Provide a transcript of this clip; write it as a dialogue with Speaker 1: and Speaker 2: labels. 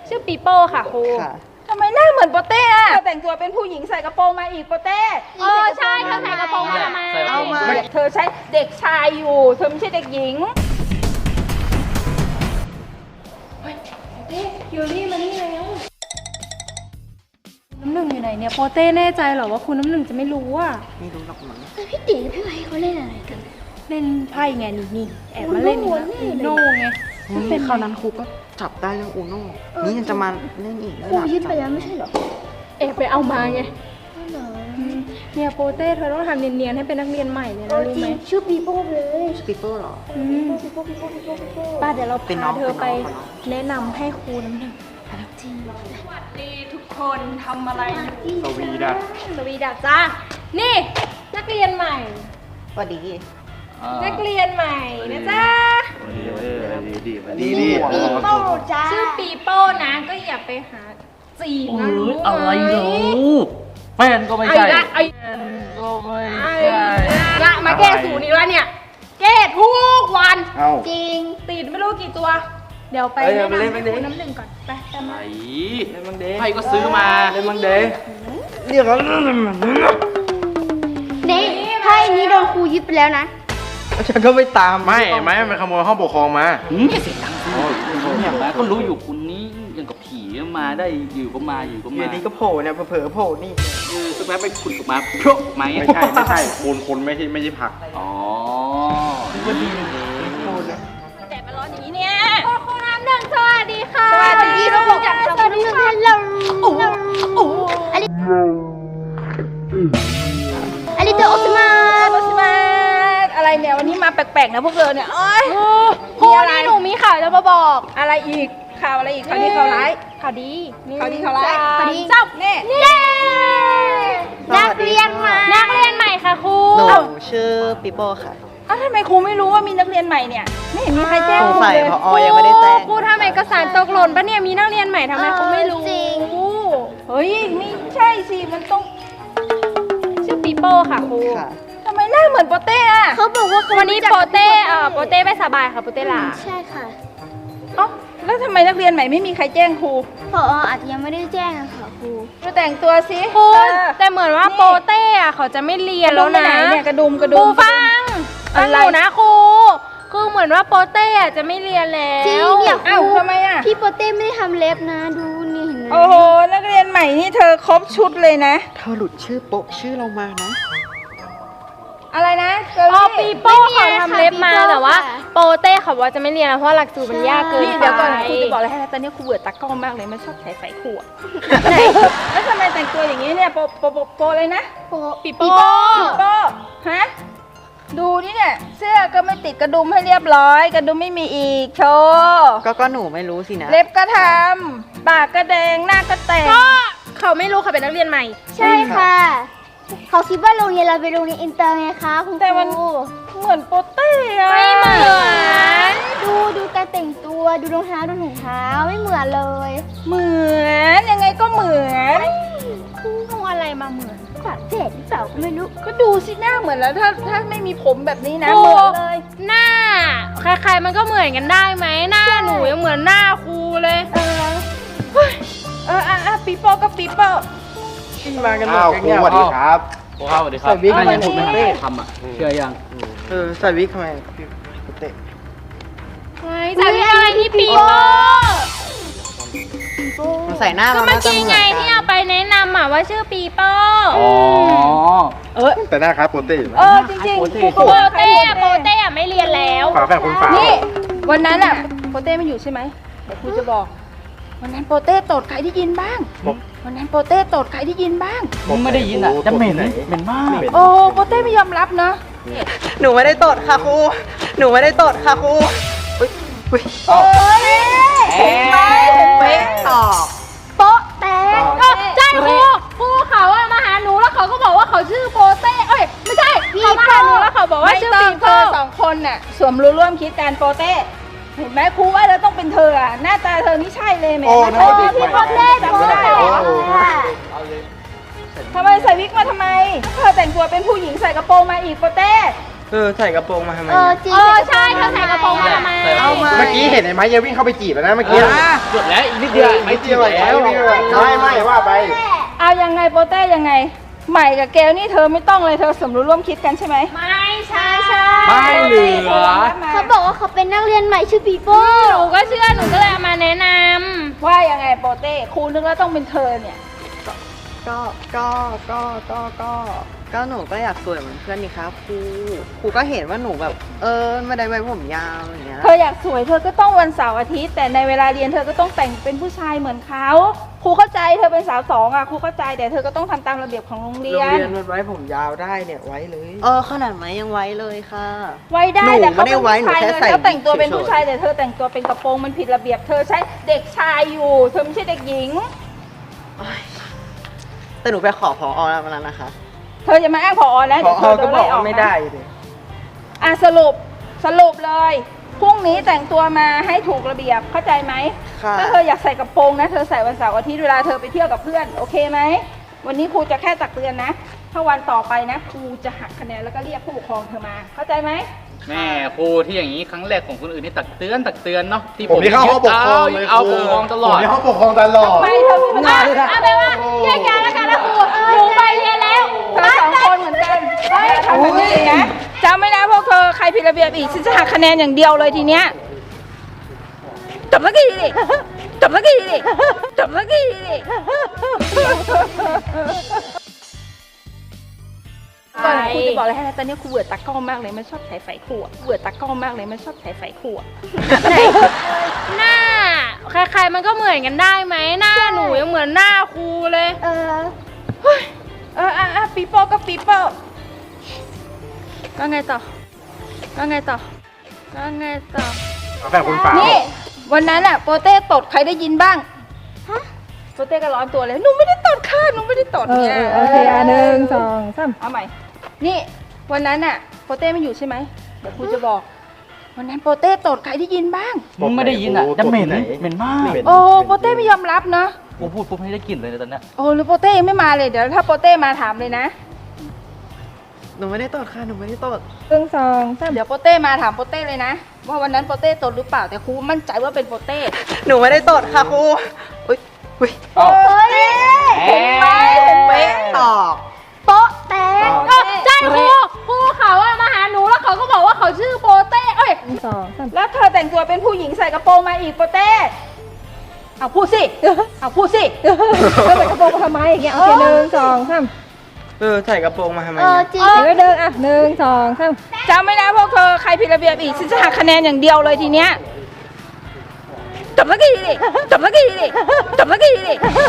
Speaker 1: ชื่อปีโป้ค่ะครู
Speaker 2: ทำไมหน้าเหมือนโปเต้อะแต่งตัวเป็นผู้หญิงใส่กระโปรงมาอีกโปเต้
Speaker 1: ใช่เธอใส่กระโปรงมาทำไม
Speaker 2: เอามาเธอใช้เด็กชายอยู่เธอไม่ใช่เด็กหญิง
Speaker 1: คิวรี่มานี่แล้วน้ำหนึ่งอยู่ไหนเนี่ยโปเต้แน่ใจเหรอว่าคุณน้ำหนึ่งจะไม่รู้อ่ะ
Speaker 3: ไม่รู้หรอกมั้ง
Speaker 4: พี่ตีกับพี่ไว้เขาเล่นอะไรกัน
Speaker 1: เล่นไพ่ไงนี่แอบมาเล่นอีกแล้วอูโน่ไง
Speaker 3: นี่คราวนั้นครูก็จับได้เรื่องอูโน่นี่ยังจะมาเล่นอีก
Speaker 4: ครูยึดไปแล้วไม่ใช่เหรอ
Speaker 1: แอบไปเอามาไง
Speaker 4: เหรอ
Speaker 1: เนี่ยโปเต้เธอต้องทำเนียนๆให้เป็นนักเรียนใหม่เลยนะรู้
Speaker 4: จริ
Speaker 1: ไหม
Speaker 4: งชื่อปีโป้เลย
Speaker 3: สปีเปอร์หรอ
Speaker 4: ปีโป้
Speaker 1: ป้าเดี๋ยวเรา
Speaker 3: เป็นน้
Speaker 1: พา
Speaker 3: อง
Speaker 1: เธอไป
Speaker 3: เป็นน้อง
Speaker 1: แนะนำให้ครูน้ำหนึ่ง
Speaker 4: จริง
Speaker 1: สวัสดีทุกคนทำอะไรอยู่
Speaker 5: สวีดัส
Speaker 1: สวีดัสจ้านี่นักเรียนใหม่
Speaker 3: สวัสดี
Speaker 1: นักเรียนใหม่นะจ๊ะ
Speaker 5: ดี
Speaker 4: ปีโป้จ้า
Speaker 1: ชื่อปีโป้นะก็อย่าไปหาจีบนะรู้ไหม
Speaker 5: อะไรเหรอแฟนก็ไม่
Speaker 1: ไอ้
Speaker 5: ใช่
Speaker 1: ละไอ้
Speaker 5: ก็ไม่
Speaker 1: ไอ้
Speaker 5: ใช่
Speaker 1: ละมาแก้สูตรอีกแล้วเนี่ย แก้ทุกวัน
Speaker 5: เอ้า
Speaker 4: จริง
Speaker 1: ติดไม่รู้กี่ตัว เดี๋ยวไป
Speaker 5: เอ้ย
Speaker 1: แนะนำ
Speaker 5: เล่
Speaker 1: ให้
Speaker 5: นบ้างดิ
Speaker 1: คุณน้ำหนึ่งก่อนไปตาม
Speaker 5: ไหน
Speaker 1: มา
Speaker 5: เล่นมังเดใครก็ซื้อมาเล่นมังเดเรียกเขา
Speaker 4: นี่ไพ่นี้โดนครูยึดไปแล้วนะ
Speaker 3: ฉันก็ไม่ตาม
Speaker 5: ไม่มันขโมยห้องปกครองมาเสียงดังเนี่ยก็รู้อยู่คุณนี้ยังกับผีมาได้อยู่ก็มาอยู่ก็
Speaker 3: อ
Speaker 5: มา
Speaker 3: ยู่ดีก็โผล่เนี่ยเผลอๆโผล่นี่
Speaker 5: สักแป๊บไปขุดออกมาโผล่มาไม่ใช่คนไม่ใช่ผักอ๋อก็ดี
Speaker 2: แต่มาร้อนอย่างนี้เนี่ย
Speaker 1: คุณน้ำหนึ่งสวัสดีค่ะ
Speaker 2: สวัสดีลูก
Speaker 4: สวัสดีค่ะอันนี้ตัวโอสมา
Speaker 2: โรสมาอะไรเนี่ยวันนี้มาแปลกๆนะพวกเธอเนี่ยเอ้ย
Speaker 1: ครูนี่หนูมีข่าวจะมาบอก
Speaker 2: อะไรอีกข่าวอะไรอีกข่าวดีข่าวร้าย
Speaker 1: ข่าวดี
Speaker 2: ข่าวดีข่าวร้าย
Speaker 1: ข่าวดี
Speaker 2: จับเนี่ย
Speaker 1: เย้
Speaker 4: นักเรียนใหม่
Speaker 1: นักเรียนใหม่ค่ะครู
Speaker 3: หนูชื่อปีโป้ค่ะ
Speaker 2: อ้าวทำไมครูไม่รู้ว่ามีนักเรียนใหม่เนี่ยไม่เห็นมีใครแจ้ง
Speaker 3: สง
Speaker 2: ครู
Speaker 3: สัย
Speaker 2: เลย
Speaker 3: พอยังไม่ได้แจ้ง
Speaker 1: ครูทำเอกสารตกหล่นปะเนี่ยมีนักเรียนใหม่ทำไมครูไม่รู้
Speaker 4: จริง
Speaker 2: เฮ้ยไม่ใช่สิมันต้อง
Speaker 1: ชื่อปีโป้ค่ะครู
Speaker 3: ค่ะ
Speaker 2: ทำไมหน้าเหมือนโปเต้อะ
Speaker 4: เขาบอกว่าเขา
Speaker 1: วันนี้โปเต้โปเต้ไม่สบายค่ะโปเต้ลา
Speaker 4: ใช่ค่ะ
Speaker 2: เอ้าแล้วทำไมนักเรียนใหม่ไม่มีใครแจ้งครู
Speaker 4: ผออาจจะยังไม่ได้แจ้งอะค่ะครู
Speaker 2: ดูแต่งตัวสิ
Speaker 1: ครู
Speaker 2: เออ
Speaker 1: แต่เหมือนว่าโปเต้เขาจะไม่เรียนแล้วนะ
Speaker 2: กระดุมไปไหนเนี่ยกระดุม
Speaker 1: ครูฟังห
Speaker 2: อะไร
Speaker 1: นูนะครูคือเหมือนว่าโปเต้จะไม่เรียนแล้ว
Speaker 4: จริงเนี่ยค
Speaker 2: อ้าว
Speaker 4: รู
Speaker 2: ทำไมอะ
Speaker 4: พี่โปเต้ไม่ได้ทำเล็บนะ ดูนี่เห็นไหม
Speaker 2: โอ้โหนักเรียนใหม่นี่เธอครบชุดเลยนะ
Speaker 3: เธอหลุดชื่อโป๊ะชื่อเรามานะ
Speaker 2: อะไรนะเก
Speaker 1: อ๋อ
Speaker 2: ล
Speaker 1: ปี
Speaker 2: ลี่
Speaker 1: โป้เขาทำเล็บมาแต่ว่าโปเต้เขาว่าจะไม่เรียนแล้วเพราะหลักสูตรมันยากเกิน
Speaker 2: นี่
Speaker 1: ไป
Speaker 2: เดี๋ยวก่อนครูจะบอกอะไรให้นะตอนนี้ครูเบื่อตากล้องมากเลยมันชอบใส่ขวดแล้วทำไมแต่งตัวอย่างนี้เนี่ยโปเลยนะ
Speaker 1: ปีโป้
Speaker 2: โปฮะดูนี่เนี่ยเสื้อก็ไม่ติดกระดุมให้เรียบร้อยกระดุมไม่มีอีกโชว์
Speaker 3: ก็หนูไม่รู้สินะ
Speaker 2: เล็บก็ทำปากก็แดงหน้าก็แต่ง
Speaker 1: ก็เขาไม่รู้เขาเป็นนักเรียนใหม่
Speaker 4: ใช่ค่ะ เขาคิดว่าโรงเรียนเราเป็นโรงเรียนอินเตอร์ไงคะคุณค
Speaker 2: แต่มัน
Speaker 4: รู
Speaker 2: เหมือนโปเต้อะ
Speaker 1: ไม่เหมือน
Speaker 4: ดูการแต่งตัวดูรองเท้าดูถุงเท้าไม่เหมือนเลย
Speaker 2: เหมือนยังไงก็เหมือน
Speaker 1: เอาอะไรมาเหมือน
Speaker 4: ปากเจ็ดหรือเปล่าก็ไม่รู้
Speaker 2: ก็ดูสิหน้าเหมือนแล้วถ้าไม่มีผมแบบนี้นะ
Speaker 1: ครู
Speaker 2: เหมือนเลย
Speaker 1: หน้าใครๆมันก็เหมือนกันได้ไหมหน้าหนูยังเหมือนหน้าครูเลย
Speaker 2: ปีโป้ก็ปีโป้
Speaker 3: มากันหมด
Speaker 5: อ้าว
Speaker 3: กัน
Speaker 5: ครู
Speaker 3: เนี่ย
Speaker 5: สวัสดีครับครูครับสวัสดีครับ
Speaker 3: ใส่วิก
Speaker 5: น่า
Speaker 3: มา
Speaker 5: จะผมไม่
Speaker 3: เต้
Speaker 5: ทันทำอ่ะเชื่อยัง
Speaker 3: ใส่วิกทำไมพี่เตะ
Speaker 1: ไม่จากที่อะไรที่ปีโป้
Speaker 3: มันใส่หน้า
Speaker 1: ก็
Speaker 3: เรา
Speaker 1: เมื่อ
Speaker 3: น่าจะ
Speaker 1: กี้
Speaker 3: เหมือน
Speaker 1: ไง
Speaker 3: กั
Speaker 1: ที่
Speaker 3: น
Speaker 1: เอาไปแนะนำว่าชื่อปีโป้
Speaker 5: อ๋อ
Speaker 6: แต่หน้าครับโปเต้
Speaker 2: จริงๆครู
Speaker 1: โป
Speaker 2: ก็ว่า
Speaker 1: เต้อะไม่เรียนแล้ว
Speaker 6: ฝาแฝดคนฝา
Speaker 2: นี่วันนั้นอะโปเต้ไม่อยู่ใช่ไหมเดี๋ยวครูจะบอก วันนั้นโปเต้ตดใครได้ยินบ้างวันนั้นโปเต้ตดใครได้ยินบ้าง
Speaker 5: มึงไม่ได้ยินอ่ะจะเหม็นมาก
Speaker 2: โอ้โปเต้ไม่ยอมรับเนาะ
Speaker 3: หนูไม่ได้ตดค่ะครู หนูไม่ได้ตดค่ะครูอุ๊ยอุ๊ย
Speaker 2: โอ้ยเห็นไหม
Speaker 3: เป๊ะตอบ
Speaker 4: โป๊ะแตก
Speaker 1: ใช่ครูเขาอะมาหาหนูแล้วเขาก็บอกว่าเขาชื่อโปเต้เอ้ยไม่ใช่เขามาหาหนูแล้วเขาบอกว่า
Speaker 2: ไม่
Speaker 1: ชื่อ
Speaker 2: ต้อ
Speaker 1: ปี
Speaker 2: งเธ
Speaker 1: โป้
Speaker 2: อสองคนน่ะสวมรู้ร่วมคิดกันโปเต้เห็นไหมครูว่าเราต้องเป็นเธออะหน้าตาเธอนี่ใช่เลยแหม่
Speaker 6: โอ้นึกว่าเด็กใหม่
Speaker 4: พี่โปเต้โป๊ะแตกค่ะ
Speaker 2: ทำไมใส่วิกมาทำไมเธอแต่งตัวเป็นผู้หญิงใส่กระโปรงมาอีกโปเต้
Speaker 3: ใส่กระโปรงมาทำไม
Speaker 4: จริง
Speaker 1: ใช่เธอใส่กระโปรงมาทำไม
Speaker 3: เอามา
Speaker 6: เมื่อกี้เห็นไอ้ไม้จะวิ่งเข้าไปจีบแล้วนะเมื่อกี้
Speaker 5: สุดแล้วอีกนิดเดียว
Speaker 6: ไม่จีบแล้วไม่ว่าไป
Speaker 2: เอายังไงโปเต้ยังไง ใหม่กับเกลนี่เธอไม่ต้องเลยเธอสมรู้ร่วมคิดกันใช่ไหม
Speaker 1: ไม่ใช่
Speaker 5: ไม่เหลือ
Speaker 4: เขาบอกว่าเขาเป็นนักเรียนใหม่ชื่อปีโป้
Speaker 1: หนูก็เชื่อหนูก็เลยเอามาแนะน
Speaker 2: ว่ายังไงโปเต้ครูนึกว่าต้องเป็นเธอเนี่ย
Speaker 3: ก็หนูก็อยากสวยเหมือนเพื่อนนี่ครับครูก็เห็นว่าหนูแบบไม่ได้ไว้ผมยาวอย่างเงี้ย
Speaker 2: เธออยากสวยเธอก็ต้องวันเสาร์อาทิตย์แต่ในเวลาเรียนเธอก็ต้องแต่งเป็นผู้ชายเหมือนเขาครูเข้าใจเธอเป็นสาวสองอ่ะครูเข้าใจแต่เธอก็ต้องทำตามระเบียบของโรงเรี
Speaker 6: โร
Speaker 2: ย
Speaker 6: ง
Speaker 2: น
Speaker 6: เรียนมันไว้ผมยาวได้เนี่ยไว้เลย
Speaker 3: ขนาดไหมยังไว้เลยค่ะ
Speaker 2: ไว้ได้
Speaker 3: หนู
Speaker 2: แต่เขา
Speaker 3: ไม่ได้
Speaker 2: เป็น
Speaker 3: ไว้
Speaker 2: ผู้ชาย
Speaker 3: หนู
Speaker 2: เลย
Speaker 3: แค่ใส่
Speaker 2: เขาแต่งตัวเป็น
Speaker 3: เฉยๆ
Speaker 2: ผู้ชายแต่เธอแต่งตัวเป็นกระโปรงมันผิดระเบียบเธอใช้เด็กชายอยู่เธอไม่ใช่เด็กหญิง
Speaker 3: แต่หนูไปขอพอแล้ววันนั้นนะคะ
Speaker 2: เธอจะมาอ้างผอแล้ว
Speaker 6: พอ
Speaker 2: เดี๋ยวเธอโด
Speaker 6: ก็
Speaker 2: น
Speaker 6: บอ
Speaker 2: ไล่
Speaker 6: ก
Speaker 2: ออ
Speaker 6: ว่าก ไม่
Speaker 2: นะ
Speaker 6: ได้เลย
Speaker 2: อ่ะสรุปเลยพรุ่งนี้แต่งตัวมาให้ถูกระเบียบเข้าใจไหม
Speaker 3: ค่ะ
Speaker 2: ถ้าเธออยากใส่กระโปรงนะเธอใส่วันเสาร์อาทิตย์เวลาเธอไปเที่ยวกับเพื่อนโอเคไหมวันนี้ครูจะแค่ตักเตือนนะถ้าวันต่อไปนะครูจะหักคะแนนแล้วก็เรียกผู้ปกครองเธอมาเข้าใจไหม
Speaker 5: แม่ครูที่อย่างนี้ครั้งแรกของคนอื่นนี่ตักเตือนเนาะที่
Speaker 6: ผมที่เข้าห้องปกครองเลย
Speaker 5: เอาปกครองตลอด
Speaker 6: ผมที่ห้องปกครองตลอด
Speaker 2: ไม่เธอมีปัญหา
Speaker 1: เอาไปนว่าแยกย้ายแล้วกันนะครูหนูไปเรียนแล้ว
Speaker 2: เธอสองคนเหมือนกันทำแบบนี้อีกนะจำไม่นะพวกเธอใครผิดระเบียบอีกฉันจะหักคะแนนอย่างเดียวเลยทีเนี้ยจบสักทีดิจบสักทีดิจบสักทีดิก่อนครูจะบอกอะไรให้นะตอนนี้ครูเบื่อตากล้องมากเลยมันชอบถ่ายไฟครูอะเบื่อตากล้องมากเลยมันชอบถ่ายไฟครูอะ
Speaker 1: หน้าใครๆมันก็เหมือนกันได้ไหมหน้าหนูยังเหมือนหน้าครูเลย
Speaker 2: ปีโป้ก็ปีโป้ก็ไงต่อก็ไงต่อก็ไงต่อ
Speaker 6: เอาแบบคุณเปล่า
Speaker 2: นี่วันนั้นอะโปเต้ตดใครได้ยินบ้างโปเต้ก็ร้อนตัวเลยหนูไม่ได้ตดค่ะหนูไม่ได้ตดเนี่ย
Speaker 1: โอเค1 2 3
Speaker 2: เอาใหม่นี่วันนั้นอะโปเต้ไม่อยู่ใช่ไหมเดี๋ยวครูจะบอก วันนั้นโปเต้ตดใครได้ยินบ้าง
Speaker 5: มึงไม่ได้ยินอ่ะจะเหม็นมาก
Speaker 2: โอ้โปเต้ไม่ยอมรับนะ
Speaker 5: กูพูดปุ๊บให้ได้กลิ่นเลยนะตอนเนี้ย
Speaker 2: โอ้หรือโปเต้ยังไม่มาเลยเดี๋ยวถ้าโปเต้มาถามเลยนะ
Speaker 3: หนูไม่ได้ตดค่ะหนูไม่ได้ตด
Speaker 1: 1 2 3
Speaker 2: เดี๋ยวโปเต้มาถามโปเต้เลยนะว่าวันนั้นโปเต้ตดหรือเปล่าแต่ครูมั่นใจว่าเป็นโปเต้
Speaker 3: หนูไม่ได้ตดค่ะครูอุ้ย
Speaker 2: โอ้ยเห็นไหมเห็นไหม
Speaker 3: ตอบ
Speaker 4: โป๊ะแตก
Speaker 1: ใช่ครูเขาอะมาหาหนูแล้วเขาก็บอกว่าเขาชื่อโปเต้เอ้ย2 3
Speaker 2: แล้วเธอแต่งตัวเป็นผู้หญิงใส่กระโปรงมาอีกโปเต้เอาพูดสิเอาพูดสิ
Speaker 1: เธอใส่กระโปรงมาทำไมอย่างเงี้ยโอเค1 2 3
Speaker 6: ใส่กระโปรงมาทำไม
Speaker 4: จริง
Speaker 1: เดี๋ยวเดินอ่ะ1 2 3
Speaker 2: จำไม่นะพวกเธอใครผิดระเบียบอีกฉันจะหักคะแนนอย่างเดียวเลยทีเนี้ยจบสักทีดิจบสักทีดิจบสักทีดิ